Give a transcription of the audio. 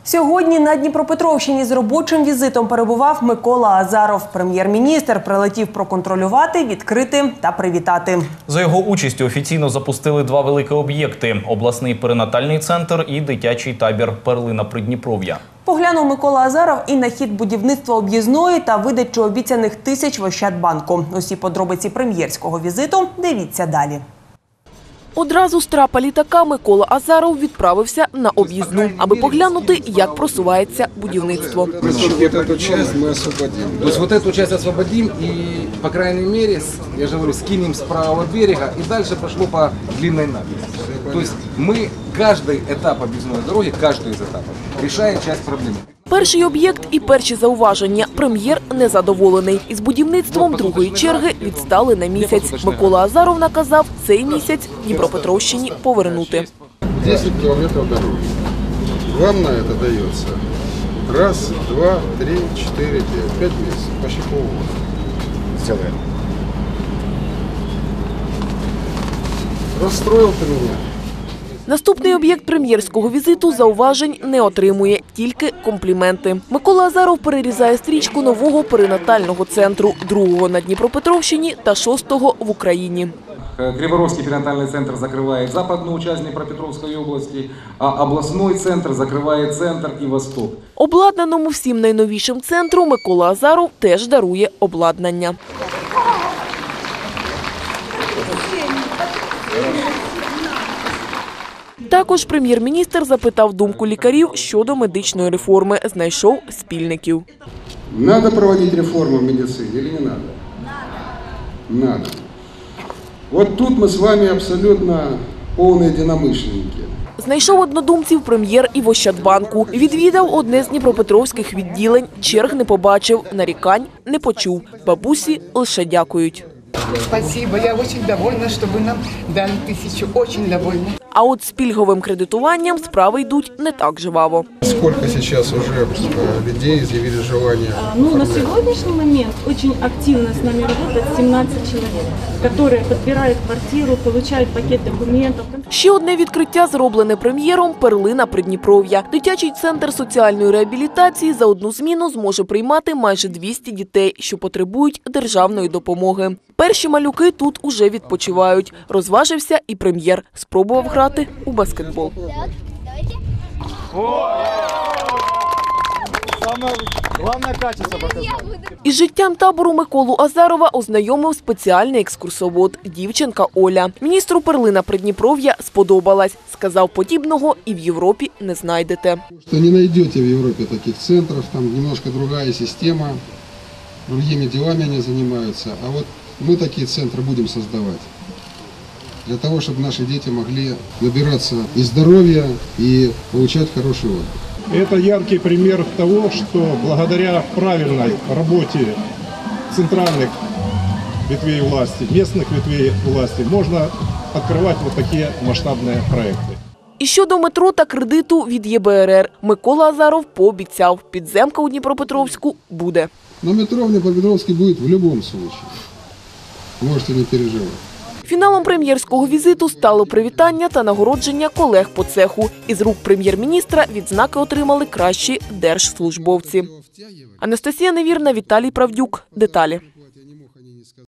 Сьогодні на Дніпропетровщині з робочим візитом перебував Микола Азаров. Прем'єр-міністр прилетів проконтролювати, відкрити та привітати. За його участю офіційно запустили два великі об'єкти – обласний перинатальний центр і дитячий табір «Перлина Придніпров'я». Поглянув Микола Азаров і на хід будівництва об'їзної та видачу обіцяних тисяч в Ощадбанку. Усі подробиці прем'єрського візиту дивіться далі. Одразу з трапа літака Микола Азаров відправився на об'їзну, аби поглянути, як просувається будівництво. Значит, вот эту часть мы освободим. То есть вот эту часть освободим и, по крайней мере, я же говорю, скинем с правого берега и дальше пошло по длинной набережной. То есть мы каждый этап объездной дороги, каждый из этапов, решает часть проблемы. Перший об'єкт і перші зауваження. Прем'єр незадоволений. Із будівництвом другої черги відстали на місяць. Микола Азаров наказав цей місяць Дніпропетровщині повернути. 10 километров дороги. Вам на это дается 1, 2, 3, 4, 5, 5 месяцев, почти полгода. Сделаем. Расстроил ты меня. Наступний об'єкт прем'єрського візиту зауважень не отримує, тільки компліменти. Микола Азаров перерізає стрічку нового перинатального центру, другого на Дніпропетровщині та 6-го в Україні. Криворожский перинатальный центр закрывает западную часть Днепропетровской области, а областной центр закрывает центр и восток. Обладнаному всім найновішим центру Микола Азаров теж дарує обладнання. Також прем'єр-міністр запитав думку лікарів щодо медичної реформи, знайшов спільників. Надо проводить реформу в медицине или не надо? Надо. Вот тут мы с вами абсолютно полные единомышленники. Знайшов однодумців прем'єр і в Ощадбанку. Відвідав одне з дніпропетровських відділень, черг не побачив, нарікань не почув. Бабусі лише дякують. Спасибо, я очень довольна, что вы нам дали 1000, очень довольна. А от з пільговим кредитуванням справи йдуть не так жваво. Сколько сейчас уже людей изъявили желание? На сегодняшний момент очень активно с нами работает 17 человек, которые подбирают квартиру, получают пакет документов. Ще одне відкриття зроблене прем'єром – «Перлина Придніпров'я». Дитячий центр соціальної реабілітації за одну зміну зможе приймати майже 200 дітей, що потребують державної допомоги. Перші малюки тут уже відпочивають. Розважився і прем'єр. Спробував грати у баскетбол. Із життям табору Миколу Азарова ознайомив спеціальний екскурсовод – дівчинка Оля. Міністру «Перлина Придніпров'я» сподобалась. Сказав, подібного і в Європі не знайдете. Не знайдете в Європі таких центрів, там немножко другая система, другими делами вони займаються. А от ми такі центри будемо створювати. Для того, чтобы наши дети могли набираться и здоровья, и получать хороший отдых. Это яркий пример того, что благодаря правильной работе центральных ветвей власти, местных ветвей власти, можно открывать вот такие масштабные проекты. І щодо метро та кредиту від ЄБРР. Микола Азаров пообіцяв, підземка у Дніпропетровську буде. Но метро в Днепропетровске будет в любом случае. Можете не переживать. Фіналом прем'єрського візиту стало привітання та нагородження колег по цеху. Із рук прем'єр-міністра відзнаки отримали кращі держслужбовці. Анастасія Невірна, Віталій Правдюк. Деталі.